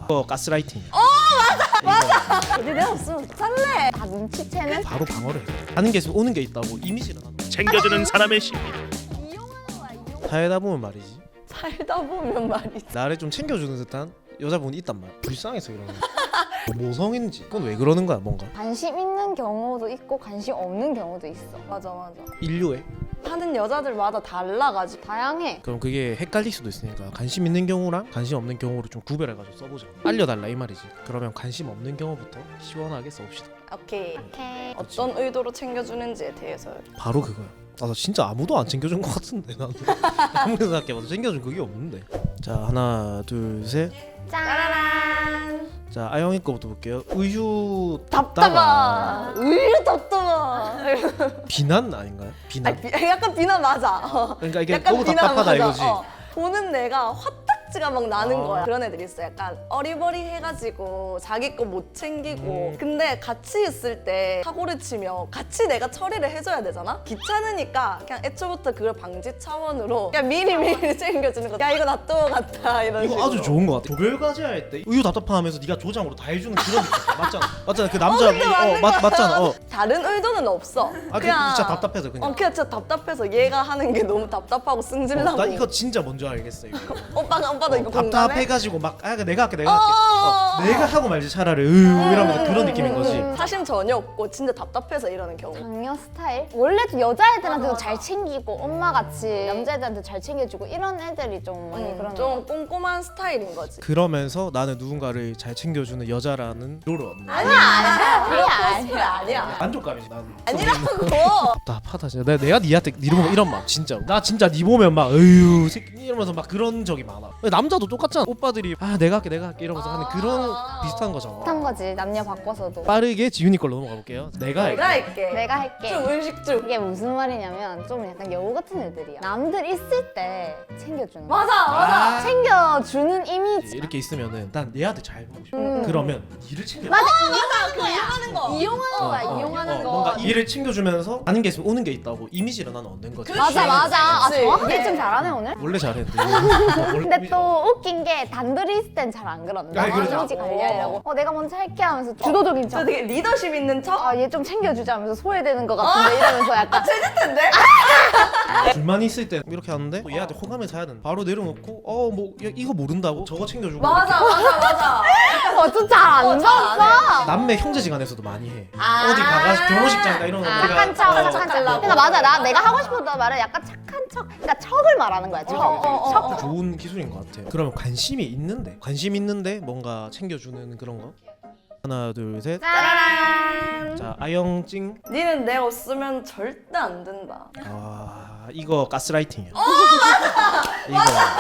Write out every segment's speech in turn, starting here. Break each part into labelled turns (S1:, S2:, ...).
S1: 이거 가스라이팅이야.
S2: 맞아. 어디 내가 없으면 쌀래. 다 눈치채는.
S1: 바로 방어를 해. 하는 게 있으면 오는 게 있다고 이미지를 하는 거야.
S3: 챙겨주는 사람의 심리.
S1: 살다 보면 말이지.
S2: 살다 보면 말이지.
S1: 나를 좀 챙겨주는 듯한 여자분이 있단 말이야. 불쌍해서 그러는 거야. 모성인지 그건 왜 그러는 거야 뭔가.
S4: 관심 있는 경우도 있고 관심 없는 경우도 있어.
S2: 맞아 맞아.
S1: 인류에.
S2: 하는 여자들마다 달라가지고.
S4: 다양해.
S1: 그럼 그게 헷갈릴 수도 있으니까 관심 있는 경우랑 관심 없는 경우를 좀 구별해가지고 써보자. 알려달라 이 말이지. 그러면 관심 없는 경우부터 시원하게 써봅시다.
S2: 오케이.
S4: 오케이.
S2: 어떤 의도로 챙겨주는지에 대해서.
S1: 바로 그거야. 나 진짜 아무도 안 챙겨준 것 같은데 나는. 아무리 생각해봐도 챙겨준 그게 없는데. 자 하나 둘 셋.
S2: 짜라란.
S1: 자 아영이 거부터 볼게요. 의유
S2: 답답아. 의류 답답아.
S1: 비난 아닌가요? 비난.
S2: 약간 비난 맞아.
S1: 그러니까 이게
S2: 약간
S1: 너무
S2: 비난
S1: 답답하다
S2: 맞아.
S1: 이거지.
S2: 보는 내가 화딱지가 막 나는
S1: 아.
S2: 거야. 그런 애들 있어. 약간 어리버리해가지고 자기 거 못 챙기고. 근데 같이 있을 때 사고를 치면 같이 내가 처리를 해줘야 되잖아. 귀찮으니까 그냥 애초부터 그걸 방지 차원으로 그냥 미리 챙겨주는 거. 야 이거 놔둬 갔다 이런
S1: 이거
S2: 식으로.
S1: 아주 좋은 것 같아. 조별 과제 할 때 의유 답답하면서 네가 조장으로 다 해주는 그런 느낌. 맞잖아. 맞잖아. 그 남자
S2: 근데 맞는 거야.
S1: 맞잖아.
S2: 다른 의도는 없어.
S1: 아 그냥 진짜 답답해서 그냥.
S2: 그냥 진짜 답답해서 얘가 하는 게 너무 답답하고 승질나고.
S1: 나 이거 진짜 뭔지 알겠어 이거.
S2: 오빠도 이거 공감해?
S1: 답답해가지고 막 내가 할게 내가 하고 말지 차라리 이러면서 그런 느낌인 거지.
S2: 사심 전혀 없고 진짜 답답해서 이러는 경우.
S4: 장녀 스타일? 원래도 여자애들한테도 잘 챙기고 엄마같이 남자애들한테 잘 챙겨주고 이런 애들이 좀 많이 그런
S2: 좀 꼼꼼한 스타일인 거지.
S1: 그러면서 나는 누군가를 잘 챙겨주는 여자라는 롤을 얻는 거야.
S2: 아니야.
S1: 만족감이지 나는.
S2: 아니라고.
S1: 답답하다 진짜. 내가 니한테 니 보면 이런 마음 진짜. 나 진짜 니 보면 막 어휴 새끼 이러면서 막 그런 적이 많아. 남자도 똑같잖아. 오빠들이 내가 할게 이러면서 하는 그런 비슷한 거잖아.
S4: 비슷한 거지. 남녀 바꿔서도.
S1: 빠르게 지윤이 걸로 넘어가 볼게요. 내가 할게.
S2: 내가 할게.
S4: 내가 할게.
S2: 좀 의식주.
S4: 이게 무슨 말이냐면 좀 약간 여우 같은 애들이야. 남들 있을 때 챙겨주는 거야.
S2: 맞아.
S4: 챙겨주는 이미지.
S1: 이렇게 있으면은 난 얘한테 잘 보고 싶어. 그러면 니를 챙겨.
S4: 맞아.
S2: 이용하는 거.
S4: 이용하는 거야. 이용하는 거.
S1: 뭔가 일을 챙겨주면서 아는 게 있으면 오는 게 있다고 이미지를 나는 얻는 거지.
S4: 맞아. 아,
S2: 그치.
S4: 정확하게 좀 잘하네 오늘.
S1: 원래 잘했는데.
S4: 근데 또 웃긴 게 단둘이 있을 땐 잘 안 그런다.
S1: 아니, 그러지.
S4: 이미지 관리하려고. 내가 먼저 할게 하면서 주도적인 척.
S2: 저 되게 리더십 있는 척?
S4: 얘 좀 챙겨주자 하면서 소외되는 것 같은데 이러면서 약간
S2: 재밌던데?
S1: 둘만 있을 때 이렇게 하는데 또 얘한테 호감해서 해야 되는. 바로 내려놓고 뭐 이거 모른다고 저거 챙겨주고.
S2: 맞아.
S4: 좀 잘 안 줬어.
S1: 남매 형제지간에서도 많이 해. 어디 가가지고 결혼식장이나 이런 거
S4: 착한 척, 착한 척. 그러니까 맞아. 내가 하고 싶었던 말은 약간 착한 척. 그러니까 척을 말하는 거야. 척.
S1: 좋은 기술인 것 같아. 그러면 관심 있는데 뭔가 챙겨주는 그런 거. 하나 둘 셋.
S2: 짜라란.
S1: 자 아영찡.
S2: 니는 내 없으면 절대 안 된다.
S1: 이거 가스라이팅이야. 이거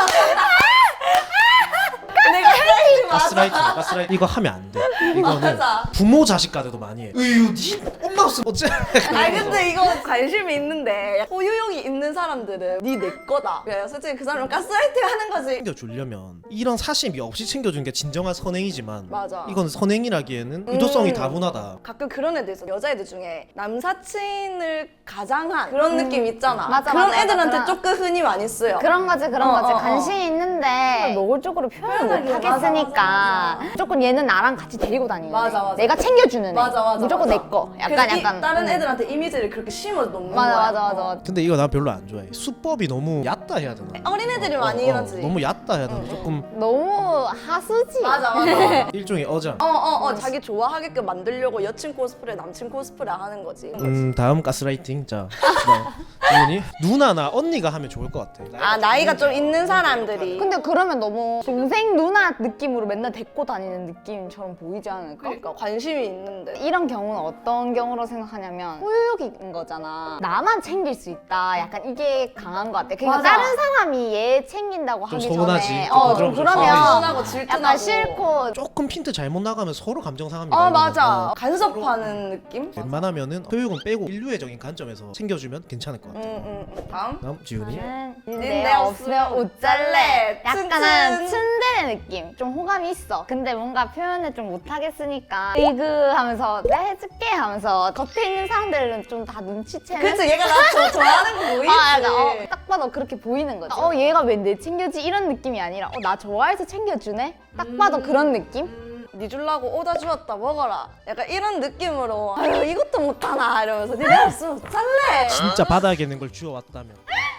S2: 내가 해야지
S1: 가스라이팅 이거 하면 안 돼. 이거는
S2: 맞아.
S1: 부모 자식 간에도 많이 해. 으유 니 엄마 없으면 어째.
S2: 근데 이거 관심이 있는데 소유욕이 있는 사람들은 니 내 거다. 그래서 솔직히 그 사람은 가스라이팅 하는 거지.
S1: 챙겨주려면 이런 사심이 없이 챙겨주는 게 진정한 선행이지만
S2: 맞아.
S1: 이건 선행이라기에는 의도성이 다분하다.
S2: 가끔 그런 애들 있어. 여자애들 중에 남사친을 가장한 그런 느낌 있잖아.
S4: 맞아,
S2: 그런
S4: 맞아,
S2: 애들한테
S4: 맞아.
S2: 조금 흔히 많이 쓰여.
S4: 그런 거지. 관심
S2: 어.
S4: 있는데 노골적으로 표현을 못 하겠으니까 무조건 얘는 나랑 같이 데리고 다니는
S2: 맞아.
S4: 애. 내가 챙겨주는 애.
S2: 맞아.
S4: 무조건 내 거. 약간
S2: 다른 애들한테 이미지를 그렇게 심어 놓는
S4: 맞아.
S2: 거야.
S1: 근데 이거 난 별로 안 좋아해. 수법이 너무 얕다 해야 되나?
S2: 어린애들이 많이 이러지.
S1: 너무 얕다 해야 되나? 조금
S4: 너무 하수지.
S2: 맞아.
S1: 일종의 어장.
S2: 자기 좋아하게끔 만들려고 여친 코스프레, 남친 코스프레 하는 거지.
S1: 다음 가스라이팅. 자 지훈이 누나나 언니가 하면 좋을 것 같아.
S2: 나이가 좀 있는 사람들이.
S4: 근데 그러면 너무 동생 누나 느낌으로 맨날 데리고 다니는 느낌처럼 보이지 않을까?
S2: 그러니까 관심이 있는데.
S4: 이런 경우는 어떤 경우로 생각하냐면 소유욕인 거잖아. 나만 챙길 수 있다. 약간 이게 강한 것 같아. 그러니까
S2: 맞아.
S4: 다른 사람이 얘 챙긴다고
S1: 좀
S4: 하기
S1: 서운하지.
S4: 전에
S1: 좀
S4: 좀
S1: 부끄러워서
S4: 그러면
S2: 서운하고 질투나고.
S4: 약간 싫고
S1: 조금 핀트 잘못 나가면 서로 감정 상합니다.
S2: 맞아.
S1: 이거는.
S2: 간섭하는 느낌?
S1: 웬만하면은 소유욕은 빼고 인류애적인 관점에서 챙겨주면 괜찮을 것 같아.
S2: 다음.
S1: 다음 지훈이.
S4: 나는
S2: 내
S4: 내 없으면 옷 잘래.
S2: 튼튼.
S4: 약간은 츤데레 느낌. 좀 호감이 있어. 있어. 근데 뭔가 표현을 좀 못하겠으니까 하면서 내가 해줄게 하면서 겉에 있는 사람들은 좀 다 눈치채는.
S2: 그치, 얘가 나 좋아하는 거 보이지.
S4: 약간 딱 봐도 그렇게 보이는 거지. 얘가 왜 내 챙겨지 이런 느낌이 아니라 나 좋아해서 챙겨주네. 딱 봐도 그런 느낌.
S2: 니 줄라고 오다 주었다 먹어라. 약간 이런 느낌으로 아유 이것도 못하나 이러면서 니네 없으면 살래.
S1: 진짜 바닥에 있는 걸 주워왔다면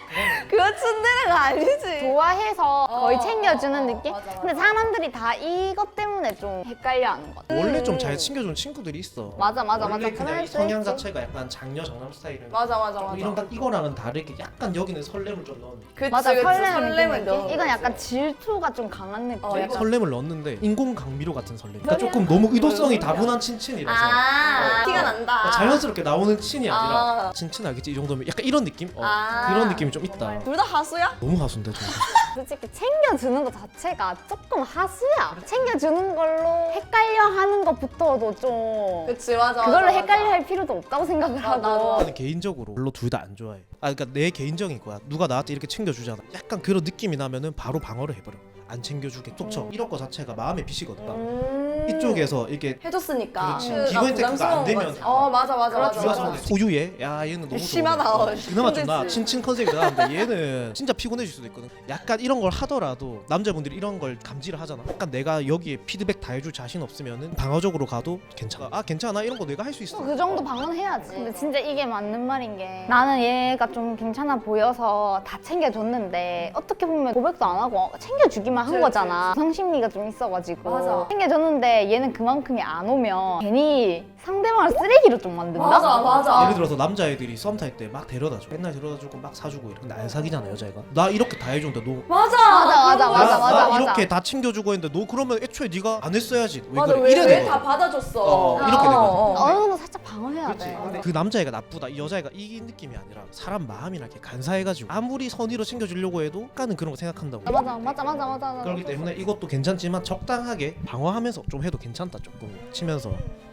S2: 그거 츤데레가 아니지.
S4: 좋아해서 거의 챙겨주는
S2: 어,
S4: 느낌?
S2: 맞아.
S4: 근데 사람들이 다 이것 때문에 좀 헷갈려하는 것 같아.
S1: 원래 좀 잘 챙겨주는 친구들이 있어.
S4: 맞아.
S1: 원래 그냥
S4: 그럴
S1: 이
S4: 수
S1: 성향
S4: 있지.
S1: 자체가 약간 장녀 장남 스타일은
S2: 맞아.
S1: 이런 이거랑은 다르게 약간 여기는 설렘을 좀 넣는.
S2: 그치,
S4: 맞아,
S2: 그치.
S4: 설레는
S2: 넣은
S4: 느낌? 이건
S2: 거지.
S4: 약간 질투가 좀 강한 느낌.
S2: 약간
S1: 설렘을 넣었는데 인공 강미료 같은 설렘. 그러니까 조금 너무 의도성이 다분한 친친이라서
S2: 티가 난다.
S1: 그러니까 자연스럽게 나오는 친이 아니라
S2: 아.
S1: 친친 알겠지? 이 정도면 약간 이런 느낌?
S2: 아.
S1: 그런 느낌이 좀 있다.
S2: 둘 다 하수야?
S1: 너무 하수인데 저.
S4: 솔직히 챙겨주는 것 자체가 조금 하수야. 챙겨주는 걸로 헷갈려 하는 것부터도 좀
S2: 그치 맞아.
S4: 그걸로
S2: 맞아,
S4: 헷갈려
S2: 맞아.
S4: 할 필요도 없다고 생각을 하고.
S2: 나도.
S1: 나는 개인적으로 별로 둘 다 안 좋아해. 그러니까 내 개인적인 거야. 누가 나한테 이렇게 챙겨주잖아. 약간 그런 느낌이 나면은 바로 방어를 해버려. 안 챙겨주게 톡쳐. 이런 거 자체가 마음에 빚이거든. 이쪽에서 이게
S2: 해줬으니까.
S1: 그렇지.
S2: 그가
S1: 기본 혜택가 안
S2: 부담스러운
S1: 되면
S2: 거지. 맞아.
S1: 누가
S2: 맞아.
S1: 서운해. 소유해? 야 얘는 너무
S2: 심하다.
S1: 좋네. 그나마 좀 나
S2: 힘들지.
S1: 친친 컨셉이 나는데 얘는 진짜 피곤해질 수도 있거든. 약간 이런 걸 하더라도 남자분들이 이런 걸 감지를 하잖아. 약간 내가 여기에 피드백 다 해줄 자신 없으면은 방어적으로 가도 괜찮아. 아 괜찮아 이런 거 내가 할 수 있어.
S4: 그 정도 방어해야지. 근데 진짜 이게 맞는 말인 게 나는 얘가 좀 괜찮아 보여서 다 챙겨줬는데 어떻게 보면 고백도 안 하고 챙겨주기만 한
S2: 그치,
S4: 거잖아. 성심리가 좀 있어가지고
S2: 맞아.
S4: 챙겨줬는데 얘는 그만큼이 안 오면 괜히 상대방을 쓰레기로 좀 만든다?
S2: 맞아.
S1: 예를 들어서 남자애들이 썸 탈 때 막 데려다줘. 맨날 데려다주고 막 사주고 이래. 근데 안 사귀잖아 여자애가. 나 이렇게 다 해줬는데 너
S4: 맞아.
S1: 나 이렇게 다 챙겨주고 했는데 너 그러면 애초에 네가 안 했어야지. 왜
S2: 맞아.
S1: 그래? 이래
S2: 왜
S1: 되거든.
S2: 다 받아줬어.
S1: 이렇게 되거든.
S4: 어느 정도 살짝 방어해야
S1: 그렇지.
S4: 돼.
S1: 근데 그 남자애가 나쁘다, 이 여자애가 이 느낌이 아니라 사람 마음이나 이렇게 간사해가지고 아무리 선의로 챙겨주려고 해도 약간은 그런 거 생각한다고.
S4: 맞아.
S1: 그렇기 때문에 이것도 괜찮지만 적당하게 방어하면서 좀 해도 괜찮다 조금 치면서.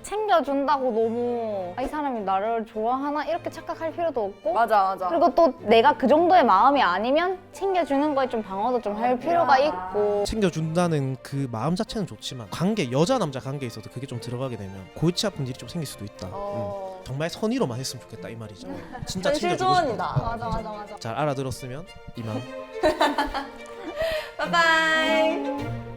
S4: 챙겨준다고 너무 이 사람이 나를 좋아하나 이렇게 착각할 필요도 없고
S2: 맞아.
S4: 그리고 또 내가 그 정도의 마음이 아니면 챙겨주는 거에 좀 방어도 좀 할 필요가 있고
S1: 챙겨준다는 그 마음 자체는 좋지만 관계, 여자 남자 관계에 있어서 그게 좀 들어가게 되면 골치 아픈 일이 좀 생길 수도 있다. 정말 선의로만 했으면 좋겠다 이 말이죠. 진짜
S2: 현실
S1: 챙겨주고 싶다.
S2: 조언이다.
S4: 맞아.
S1: 잘 알아들었으면 이만.
S2: 바이바이.